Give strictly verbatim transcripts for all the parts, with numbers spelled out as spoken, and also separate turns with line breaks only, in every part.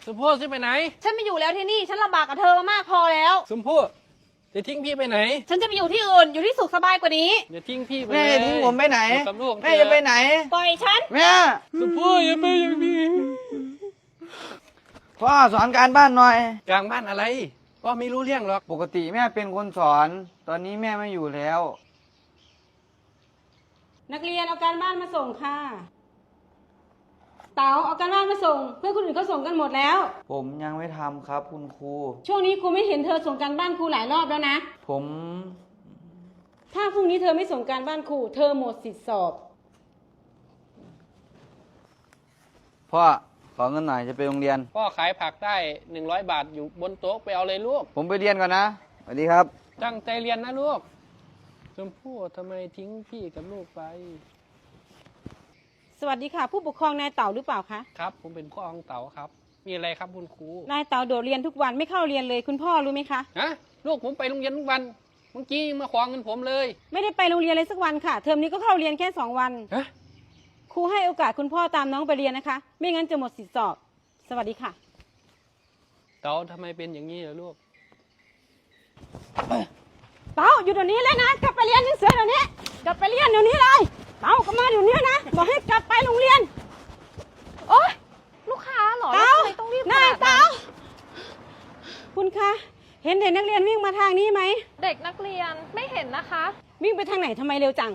ชมพู่จะไปไหน
ฉันไม่อยู่แล้วที่นี่ฉันลำบากกับเธอมามากพอแล้ว
ชมพู่จะทิ้งพี่ไปไหน
ฉันจะไปอยู่ที่อื่นอยู่ที่สุขสบายกว่านี้
อย่าทิ้งพี่ไป
แม่ทิ้งผมไปไหน
กับลูก
แม่จะไปไหน
ปล่อยฉัน
แม่
ชมพู่อย่าไปอย่างนี้
พ่อสอนการบ้านหน่อย
กลางบ้านอะไรพ่อไม่รู้เรื่องหรอก
ปกติแม่เป็นคนสอน ตอนนี้แม่ไม่อยู่แล้ว
นักเรียนเอาการบ้านมาส่งค่ะเต๋าเอาการบ้านมาส่งเพื่อนคนอื่นเขาส่งกันหมดแล้ว
ผมยังไม่ทำครับคุณครู
ช่วงนี้ครูไม่เห็นเธอส่งการบ้านครูหลายรอบแล้วนะ
ผม
ถ้าพรุ่งนี้เธอไม่ส่งการบ้านครูเธอหมดสิทธิสอบ
พ่อขอเงินหน่อยจะไปโรงเรียน
พ่อขายผักได้หนึ่งร้อยบาทอยู่บนโต๊ะไปเอาเลยลูก
ผมไปเรียนก่อนนะสวัสดีครับ
ตั้งใจเรียนนะลูกชมพู่ทำไมทิ้งพี่กับลูกไป
สวัสดีค่ะผู้ปกครองนายเต๋าหรือเปล่าคะ
ครับผมเป็นพ่อของเต๋าครับมีอะไรครับคุณครู
นายเต๋าโดดเรียนทุกวันไม่เข้าเรียนเลยคุณพ่อรู้ไหมคะ
ฮะลูกผมไปโรงเรียนทุกวันเมื่อกี้ยังมาขวางเงินผมเลย
ไม่ได้ไปโรงเรียนเลยสักวันค่ะเทอมนี้ก็เข้าเรียนแค่สองวัน
ฮะ
ครูให้โอกาสคุณพ่อตามน้องไปเรียนนะคะไม่งั้นจะหมดสิทธิสอบสวัสดีค่ะ
เต๋าทำไมเป็นอย่างนี้ล่ะลูก
เต๋าอยู่เดี๋ยวนี้เลยนะกลับไปเรียนหนังสือเดี๋ยวนี้กลับไปเรียนเดี๋ยวนี้เลยเต๋ากลับมาเดี๋ยวนี้นะบอกให้กลับไปโรงเรียน
โอ๊ยลูกค้าเหรอ
เต๋า
ทำไมต้องรีบขนาดนั้น
เต๋าคุณคะเห็นเด็กนักเรียนวิ่งมาทางนี้ไหม
เด็กนักเรียนไม่เห็นนะคะ
วิ่งไปทางไหนทำไมเร็วจัง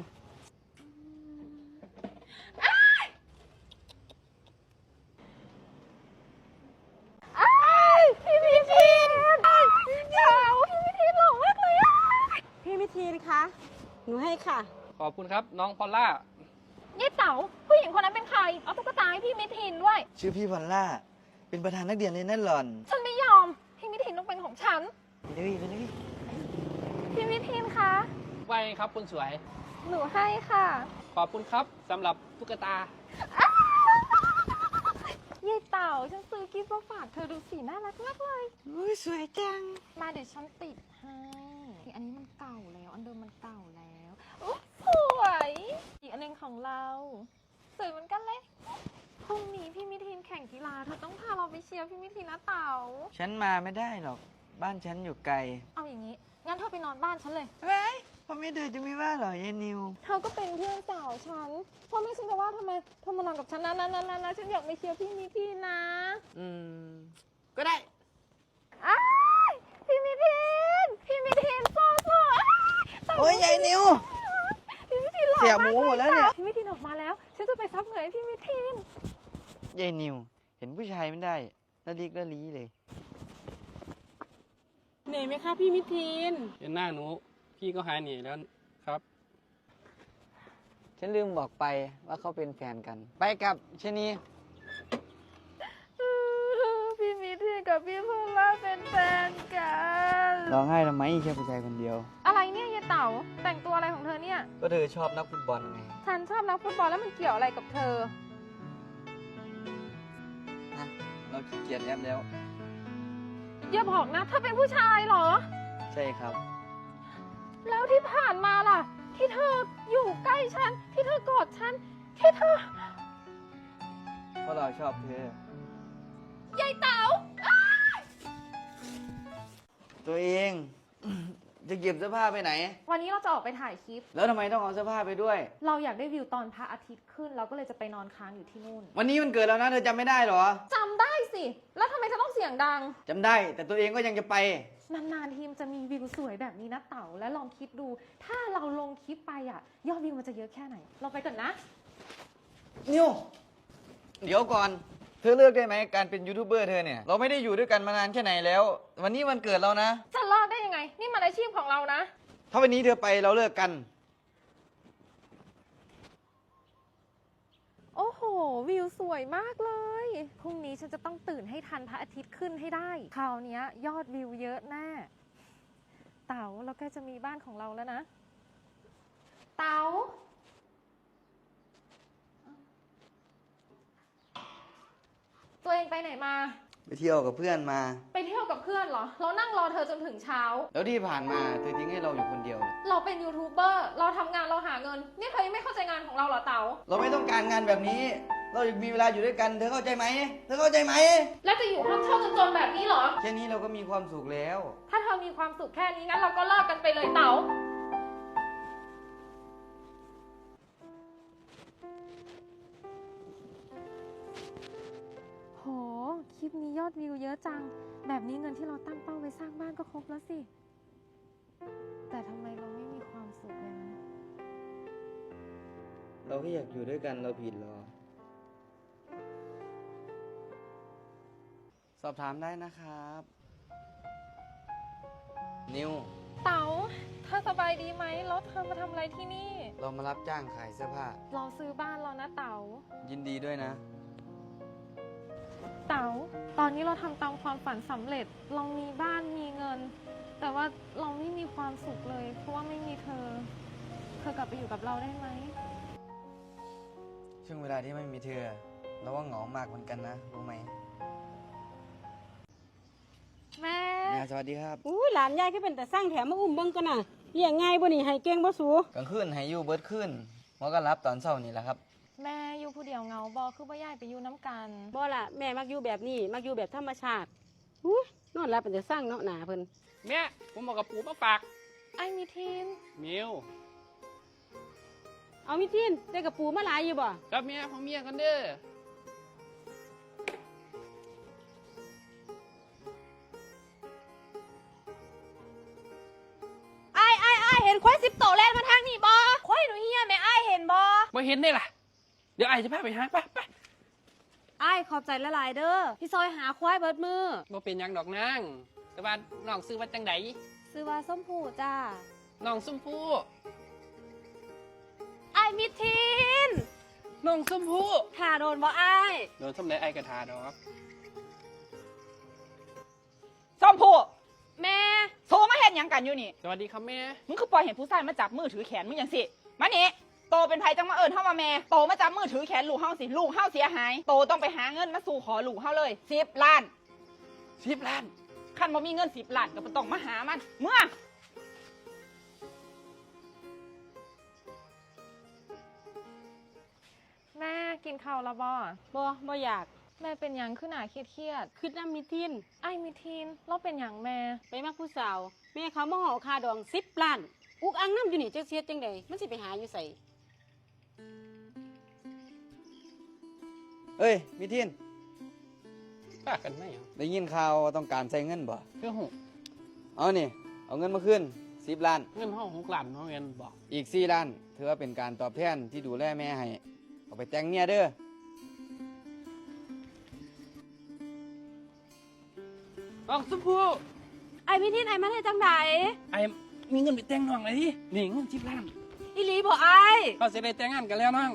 พี่มิทีนเจ้าพี่มิทีนหล่อมากเลยอะ
พี่มิทีนคะหนูให้ค่ะ
ขอบคุณครับน้องพอลล่า
นี่เต๋าผู้หญิงคนนั้นเป็นใครเอาตุ๊กตาให้พี่มิทีนด้วย
ชื่อพี่พอลล่าเป็นประธานนักเรียนเลยนั่นหล่อน
ฉันไม่ยอมพี่มิทีนต้องเป็นของฉัน
ไปเลยไปเลย
พี่มิทีนคะ
ไปครับคุณสวย
หนูให้ค่ะ
ขอบคุณครับสำหรับตุ๊กตา
เย่เต่าฉันซื้อกิฟต์มาฝากเธอดูสีน่ารักมากเลย
อุ้ยสวยจัง
มาเดี๋ยวฉันติดให้อันนี้มันเก่าแล้วอันเดิมมันเก่าแล้วอุ๊ยสวยอีกอันนึงของเราสวยเหมือนกันเลยพรุ่งนี้พี่มิทีนแข่งกีฬาเธอต้องพาเราไปเชียร์พี่มิทีนนะเต่า
ฉันมาไม่ได้หรอกบ้านฉันอยู่ไกล
เอาอย่างนี้งั้นเธอไปนอนบ้านฉันเลย
เฮ้ยพ่อแม่เธอจะไม่ว่าหรอยายนิว
เธอก็เป็นเพื่อนสาวฉันพ่อแม่ฉันจะว่าทำไมเธอมานอนกับฉันนะนะนะนะนะฉันอยากไปเชียร์พี่มิทีนนะ
อืมก็ได้
อ้ายพี่มิทีนพี่มิทีนโซ่โซ่
โอ้ยยายนิว
พี่มิทีนหล่อมาก
เสียหมูหมดแล้วเนี่ย
พี่มิทีนออกมาแล้วฉันจะไปซับเหงื่อให้พี่มิทีน
ยายนิวเห็นผู้ชายไม่ได้ละลิกละลีเลย
เหนื่อยไหมคะพี่มิทีน
เห็นหน้าหนูพี่ก็หายเหนื่อยแล้วครับ
ฉันลืมบอกไปว่าเขาเป็นแฟนกันไปกับชนี
พี่มิทีนกับพี่พลล่าเป็นแฟนกัน
ร้องไห้ทำไมแค่ผู้ชายคนเดียว
อะไรเนี่ยยายเต๋าแต่งตัวอะไรของเธอเนี่ย
ก็เธอชอบนักฟุตบอลไง
ฉันชอบนักฟุตบอลแล้วมันเกี่ยวอะไรกับเธอ
นะเราขี้เกียจแอปแล้ว
อย่าบอกนะเธอเป็นผู้ชายเหรอ
ใช่ครับ
แล้วที่ผ่านมาล่ะที่เธออยู่ใกล้ฉันที่เธอกอดฉันที่เธอ
เพราะเราชอบเธ
อยายเต๋า
ตัวเองจะเก็บเสื้อผ้าไปไหน
วันนี้เราจะออกไปถ่ายคลิป
แล้วทำไมต้องเอาเสื้อผ้าไปด้วย
เราอยากได้วิวตอนพระอาทิตย์ขึ้นเราก็เลยจะไปนอนค้างอยู่ที่นู่น
วันนี้มันเกิดแล้วนะเธอจำไม่ได้หรอ
จำได้สิแล้วทำไมเธอต้องเสียงดัง
จำได้แต่ตัวเองก็ยังจะไป
นานๆทีมจะมีวิวสวยแบบนี้นะเต๋าและลองคิดดูถ้าเราลงคลิปไปอ่ะยอดวิวมันจะเยอะแค่ไหนเราไปก่อนนะ
นิวเดี๋ยวก่อนเธอเลือกได้ไหมการเป็นยูทูบเบอร์เธอเนี่ยเราไม่ได้อยู่ด้วยกันมานานแค่ไหนแล้ววันนี้วันเกิดเรานะ
จะเลิกได้ยังไงนี่มันอาชีพของเรานะ
ถ้าวันนี้เธอไปเราเลิกกัน
โอ้โหวิวสวยมากเลยพรุ่งนี้ฉันจะต้องตื่นให้ทันพระอาทิตย์ขึ้นให้ได้คราวนี้ยอดวิวเยอะแน่เต๋าเราใกล้จะมีบ้านของเราแล้วนะเต๋าตัวเองไปไหนมา
ไปเที่ยวกับเพื่อนมา
ไปเที่ยวกับเพื่อนเหรอเรานั่งรอเธอจนถึงเช้า
แล้วที่ผ่านมาเธอทิ้งให้เราอยู่คนเดียว
เราเป็นยูทูบเบอร์เราทำงานเราหาเงินนี่เธอยังไม่เข้าใจงานของเราเหรอเต๋า
เราไม่ต้องการงานแบบนี้เราอยากมีเวลาอยู่ด้วยกัน เธอเข้าใจไหม เธอเข้าใจไหม
แล้วจะอยู่ห้องเช่าจนๆแบบนี้เหรอ
แค่นี้เราก็มีความสุขแล้ว
ถ้าเธอมีความสุขแค่นี้งั้นเราก็เลิกกันไปเลยเต๋าโห คลิปนี้ยอดวิวเยอะจัง แบบนี้เงินที่เราตั้งเป้าไว้สร้างบ้านก็ครบแล้วสิ แต่ทำไมเราไม่มีความสุขเลยนะ
เราแค่อยากอยู่ด้วยกันเราผิดหรอ สอบถามได้นะครับ นิว
เต๋าเธอสบายดีไหมแล้วเธอมาทำอะไรที่นี่
เรามารับจ้างขายเสื้อผ้า
เราซื้อบ้านแล้วนะเต๋า
ยินดีด้วยนะ
เต๋า ตอนนี้เราทำตามความฝันสำเร็จ เรามีบ้านมีเงิน แต่ว่าเราไม่มีความสุขเลย เพราะว่าไม่มีเธอ เธอกลับไปอยู่กับเราได้ไหม
ช่วงเวลาที่ไม่มีเธอ เราว่าเหงามากเหมือนกันนะ รู้ไหม
แม่
แม่สวัสดีครับ
อู้หลานยายก็เป็นแต่สร้างแถมมาอุ้มเบิ่งกันน่ะเลี้ยงง่ายบ่นี่ให้เก่งบ่สู
กลางคืนให้อยู่เบิดขึ้นหัวก็รับตอนเช้านี่แหละครับ
แม่อยู่ผู้เดียวเหงาบอคือบ่ย้ายไปอยู่น้ำกัน
บ่ล่ะแม่มักอยู่แบบนี้มักอยู่แบบธรรมชาติอู้นอนหลับเป็นแต่สร้างเนาะหนาเพิ่น
แม่ผมบอกกับปู่มาฝาก
ไอ้มีทีม
มิว
เอามิทินได้กระปูมาหลายอยู่บ่
กับเมียของเมียกันเด้อ
ไอ้ไอ้ไอ้เห็นควายสิบโตแล่นมาทางนี่บ่ควายหนูเฮียแม่ไอ้เห็นบ่
มาเห็นได้ล่ะ เดี๋ยวไอ้จะพาไปหาไปไป
ไอ้ขอบใจละลายเด้อพี่ซอยหาควายเบิดมือ
บ่เป็นหยังดอกนางแต่ว่าน้องซื้อว่าจังได
ซื้อว่าส้มผูจ้า
น้องส้มผู้
ไอ้มิทิน
น้องส้มผู้
ถ่าโดนบ่ไอ้
โดนทำไรไอ้กระทาดอก
ส้มผู้
แม่
โทรมาเห็นยังกันอยู่นี่
สวัสดีครับแม่
มึงคือปล่อยเห็นผู้ชายมาจับมือถือแขนมึงอย่างสิ มานี่โตเป็นไผจังมาเอิญเฮามาแม่ โตมาจับมือถือแขนลูกเฮาสิ ลูกเฮาเสียหาย โตต้องไปหาเงินมาสู่ขอลูกเฮาเลยสิบล้าน
สิบล้าน
คันบ่มีเงินสิบล้านก็บ่ต้องมาหามัน เมื่อ
แม่กินข้าวแล้วบอ
บ่บ่อยาก
แม่เป็นหยังขึ้นหนาเครียด
คิดน้ำมิทิน
ๆไอ้มีทีมเราเป็นหยังแม่
ไปมักผู้สาว แม่เขามาห่อคาดองสิบล้าน อุกอังน้ำอยู่นี่จักเสียจังใดมันสิไปหาอยู่ใส่
เอ้ยมิทิน
ป้ากันไหมเหรอ
ได้ยินข่าวว่าต้องการใช้เงินบ่
คือหก
เอานี่ เอาเงินมาขึ้นสิบล้าน
เงินห้องหกล้านน้องเงินบอก
อีกสี่ล้านถือว่าเป็นการตอบแทนที่ดูแลแม่ให้ เอาไปแต่งเมียเด้อ
น้องส้มผู้
ไอ้มิทินไอ้มาได้จังใด
ไอ้มีเงินไปแต่งน้องเลยดินี่เงินสิบล้าน
อีหลีบ่ไอ้
เขาจะได้แต่งงานกันแล้วน้อง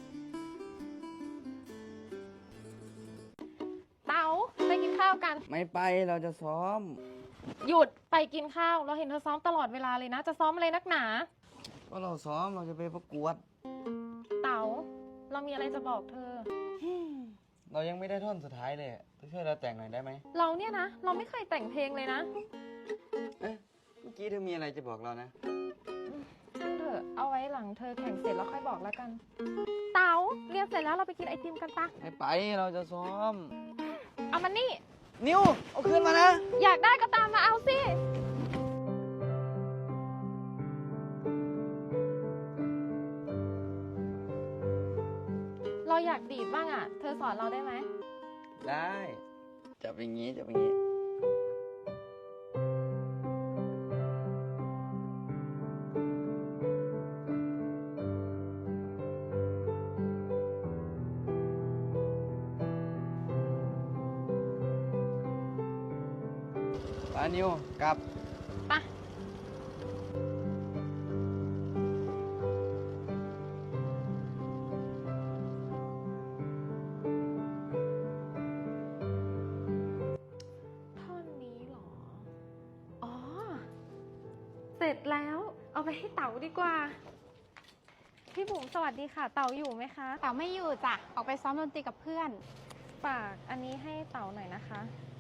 เต๋าไปกินข้าวกัน
ไม่ไปเราจะซ้อม
หยุดไปกินข้าว เราเห็นเธอซ้อมตลอดเวลาเลยนะ จะซ้อมอะไรนักหนา
ก็เราซ้อมเราจะไปประกวด
เต๋าเรามีอะไรจะบอกเธอ
เรายังไม่ได้ท่อนสุดท้ายเลยช่วยเราแต่งหน่อยได้ไหม
เราเนี่ยนะ เราไม่เคยแต่งเพลงเลยนะ
เอ๊ะเมื่อกี้เธอมีอะไรจะบอกเรานะ
ช่างเถอะเอาไว้หลังเธอแข่งเสร็จแล้วค่อยบอกแล้วกัน เต๋าเรียนเสร็จแล้วเราไปกินไอติมกันปะ
ไม่ไปเราจะซ้อม
เอามันนี่
นิวเอาคืนมานะ
อยากได้ก็ตามมาเอาสิ เราอยากดีดบ้างอ่ะ เธอสอนเราได้ไหม
ได้จับอย่างนี้จับอย่างนี้ปานิวกลับ
ปะ ท่อนนี้เหรอ อ๋อ เสร็จแล้ว เอาไปให้เต๋าดีกว่า พี่บุ๋มสวัสดีค่ะ เต๋าอยู่ไหมคะ
เต๋าไม่อยู่จ้ะ ออกไปซ้อมดนตรีกับเพื่อน
ฝากอันนี้ให้เต๋าหน่อยนะคะ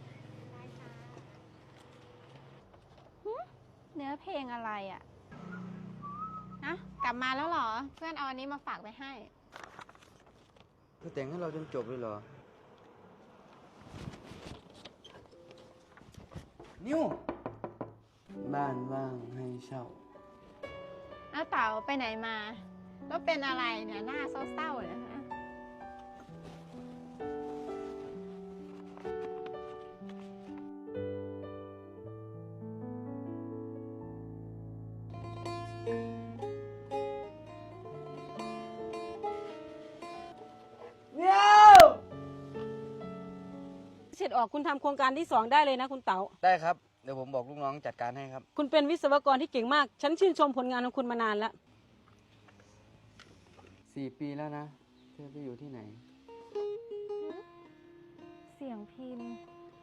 เนื้อเพลงอะไรอะ่ะนะกลับมาแล้วเหรอ เพื่อนเอาอันนี้มาฝากไปให้
เธอแต่งให้เราจนจบเลยเหรอ นิวบ้านว่างให้เช่า
เอาเต๋าไปไหนมา แล้วเป็นอะไรเนี่ยหน้าเศร้าๆเนี่ยฮะ
เสร็จออกคุณทำโครงการที่สองได้เลยนะคุณเต๋า
ได้ครับ เดี๋ยวผมบอกลูกน้องจัดการให้ครับ
คุณเป็นวิศวกรที่เก่งมาก ฉันชื่นชมผลงานของคุณมานานแล้ว
สี่ปีแล้วนะ เธอไปอยู่ที่ไหน
เสียงพิมพ์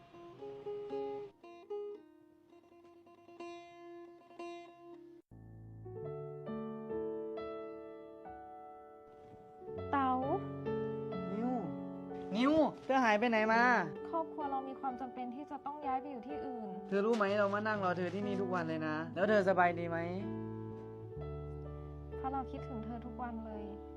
เต๋า
นิว นิว เธอหายไปไหนมา
ครอบครัวเรามีความจำเป็นที่จะต้องย้ายไปอยู่ที่อื่น
เธอรู้ไหมเรามานั่งรอเธอที่นี่ทุกวันเลยนะ แล้วเธอสบายดีไหม
เพราะเราคิดถึงเธอทุกวันเลย